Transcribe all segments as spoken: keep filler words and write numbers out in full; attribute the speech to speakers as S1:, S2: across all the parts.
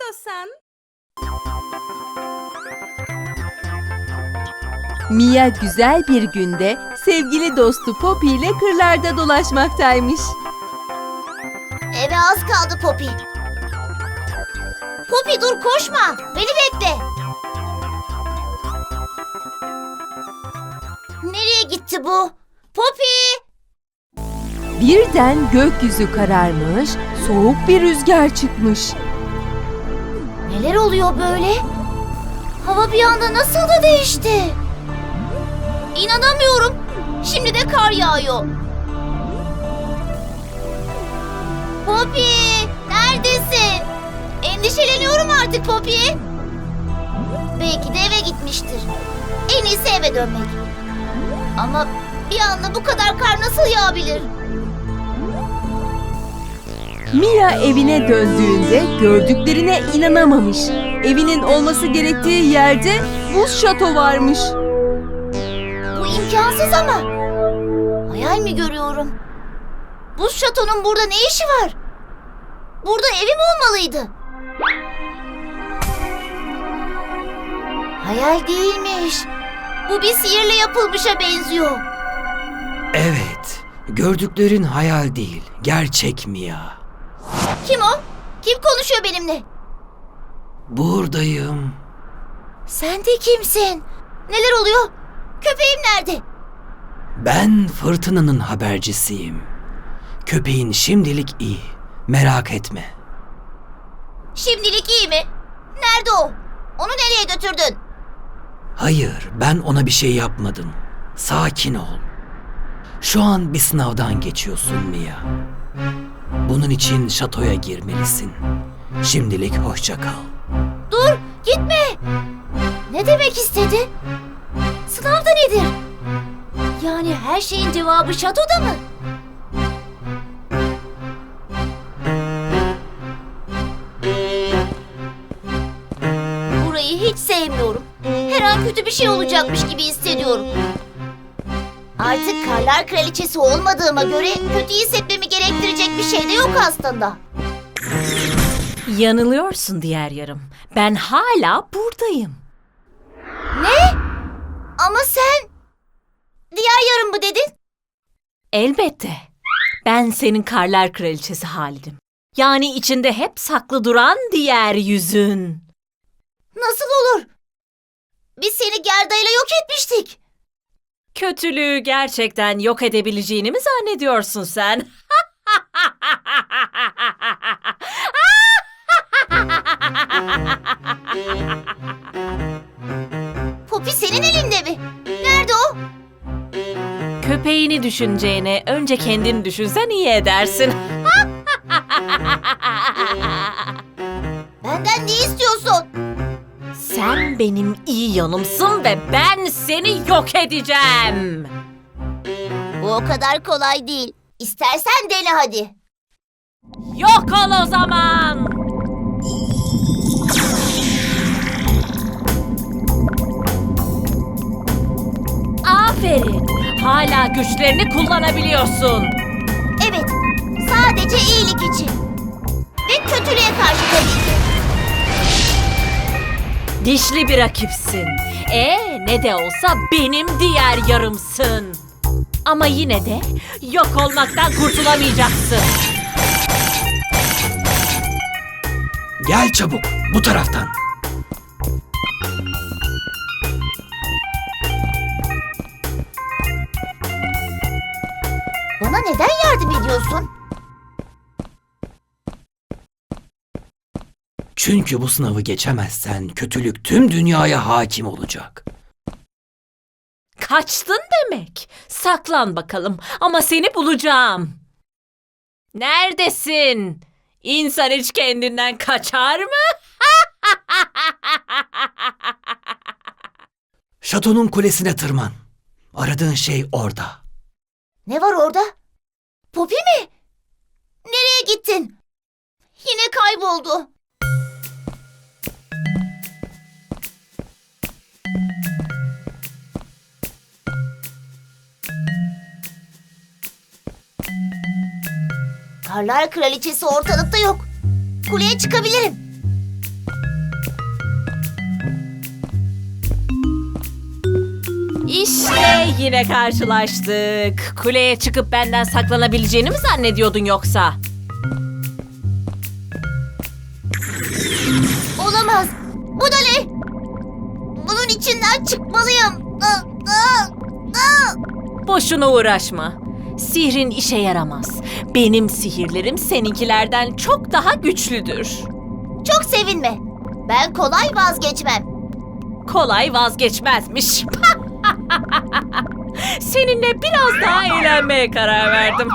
S1: istiyorsan.
S2: Mia güzel bir günde sevgili dostu Poppy ile kırlarda dolaşmaktaymış.
S3: Eve az kaldı Poppy. Poppy dur koşma. Beni bekle. Nereye gitti bu? Poppy!
S2: Birden gökyüzü kararmış, soğuk bir rüzgar çıkmış.
S3: Neler oluyor böyle? Hava bir anda nasıl da değişti? İnanamıyorum. Şimdi de kar yağıyor. Poppy! Neredesin? Endişeleniyorum artık Poppy. Belki de eve gitmiştir. En iyisi eve dönmek. Ama bir anda bu kadar kar nasıl yağabilir?
S2: Mia evine döndüğünde gördüklerine inanamamış. Evinin olması gerektiği yerde buz şato varmış.
S3: Bu imkansız ama. Hayal mi görüyorum? Buz şatonun burada ne işi var? Burada evim olmalıydı. Hayal değilmiş. Bu bir sihirle yapılmışa benziyor.
S4: Evet, gördüklerin hayal değil, gerçek Mia.
S3: Kim o? Kim konuşuyor benimle?
S4: Buradayım.
S3: Sen de kimsin? Neler oluyor? Köpeğim nerede?
S4: Ben fırtınanın habercisiyim. Köpeğin şimdilik iyi, merak etme.
S3: Şimdilik iyi mi? Nerede o? Onu nereye götürdün?
S4: Hayır, ben ona bir şey yapmadım. Sakin ol. Şu an bir sınavdan geçiyorsun Mia. Bunun için şatoya girmelisin. Şimdilik hoşça kal.
S3: Dur, gitme. Ne demek istedi? Sınavda nedir? Yani her şeyin cevabı şatoda mı? Burayı hiç sevmiyorum. Her an kötü bir şey olacakmış gibi hissediyorum. Artık Karlar Kraliçesi olmadığıma göre kötü hissetmemi gerektirecek bir şey de yok aslında.
S1: Yanılıyorsun diğer yarım. Ben hala buradayım.
S3: Ne? Ama sen... Diğer yarım mı dedin?
S1: Elbette. Ben senin Karlar Kraliçesi Halid'im. Yani içinde hep saklı duran diğer yüzün.
S3: Nasıl olur? Biz seni Gerda'yla yok etmiştik.
S1: Kötülüğü gerçekten yok edebileceğini mi zannediyorsun sen?
S3: Poppy senin elinde mi? Nerede o?
S1: Köpeğini düşüneceğine önce kendini düşünsen iyi edersin.
S3: Benden ne istiyorsun?
S1: Sen benim iyi yanımsın ve ben seni yok edeceğim.
S3: Bu o kadar kolay değil. İstersen dene hadi.
S1: Yok ol o zaman. Aferin. Hala güçlerini kullanabiliyorsun.
S3: Evet, sadece iyilik için. Ve kötülüğe karşı tabii ki.
S1: Dişli bir rakipsin. Ee, ne de olsa benim diğer yarımsın. Ama yine de yok olmaktan kurtulamayacaksın.
S4: Gel çabuk, bu taraftan.
S3: Bana neden yardım ediyorsun?
S4: Çünkü bu sınavı geçemezsen kötülük tüm dünyaya hakim olacak.
S1: Kaçtın demek. Saklan bakalım ama seni bulacağım. Neredesin? İnsan hiç kendinden kaçar mı?
S4: Şatonun kulesine tırman. Aradığın şey orada.
S3: Ne var orada? Poppy mi? Nereye gittin? Yine kayboldu. Karlar Kraliçesi ortalıkta yok. Kuleye çıkabilirim.
S1: İşte yine karşılaştık. Kuleye çıkıp benden saklanabileceğini mi zannediyordun yoksa?
S3: Olamaz. Bu da ne? Bunun içinden çıkmalıyım. Aa, aa, aa.
S1: Boşuna uğraşma. Sihrin işe yaramaz. Benim sihirlerim seninkilerden çok daha güçlüdür.
S3: Çok sevinme. Ben kolay vazgeçmem.
S1: Kolay vazgeçmezmiş. Seninle biraz daha eğlenmeye karar verdim.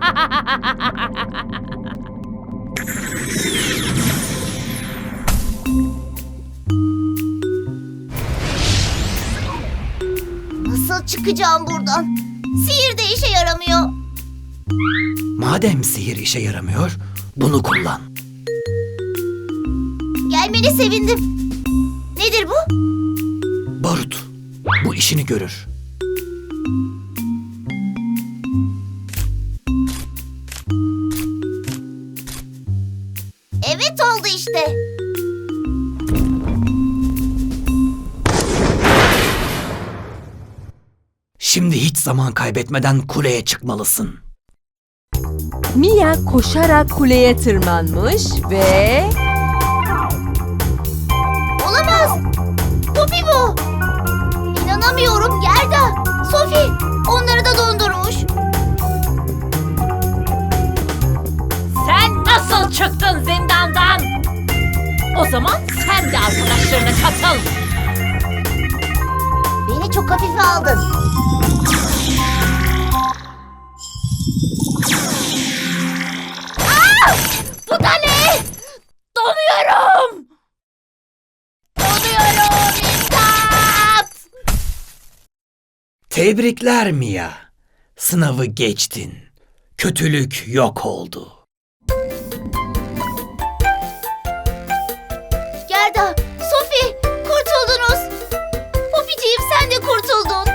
S3: Nasıl çıkacağım buradan? Sihir de işe yaramıyor.
S4: Madem sihir işe yaramıyor, bunu kullan.
S3: Gelmene sevindim. Nedir bu?
S4: Barut, bu işini görür.
S3: Evet oldu işte.
S4: Şimdi hiç zaman kaybetmeden kuleye çıkmalısın.
S2: Mia koşarak kuleye tırmanmış ve
S3: Olamaz. Poppy bu. İnanamıyorum Gerda. Sophie onları da dondurmuş.
S1: Sen nasıl çıktın zindandan? O zaman sen de arkadaşlarına katıl.
S3: Beni çok hafife aldın. Aa! Bu da ne?
S1: Donuyorum.
S3: Donuyorum. İmdat!
S4: Tebrikler Mia. Sınavı geçtin. Kötülük yok oldu.
S3: Gerda, Sophie kurtuldunuz. Poppy'ciğim sen de kurtuldun.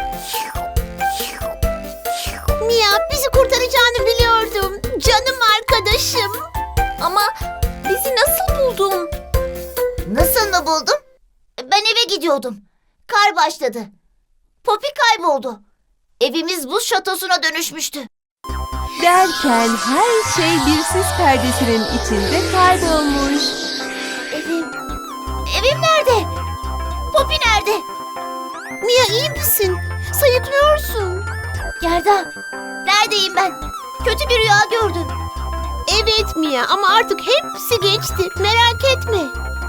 S3: Mia bizi kurtaracağını biliyordum. Canım arkadaşım.
S1: Ama bizi nasıl buldun?
S3: Nasıl mı buldum? Ben eve gidiyordum. Kar başladı. Poppy kayboldu. Evimiz buz şatosuna dönüşmüştü.
S2: derken her şey bir sis perdesinin içinde kaybolmuş.
S3: Evim... Evim nerede? Poppy nerede? Mia iyi misin? Sayıklıyorsun. Gerda, neredeyim ben? Kötü bir rüya gördüm. Evet Mia ama artık hepsi geçti. Merak etme.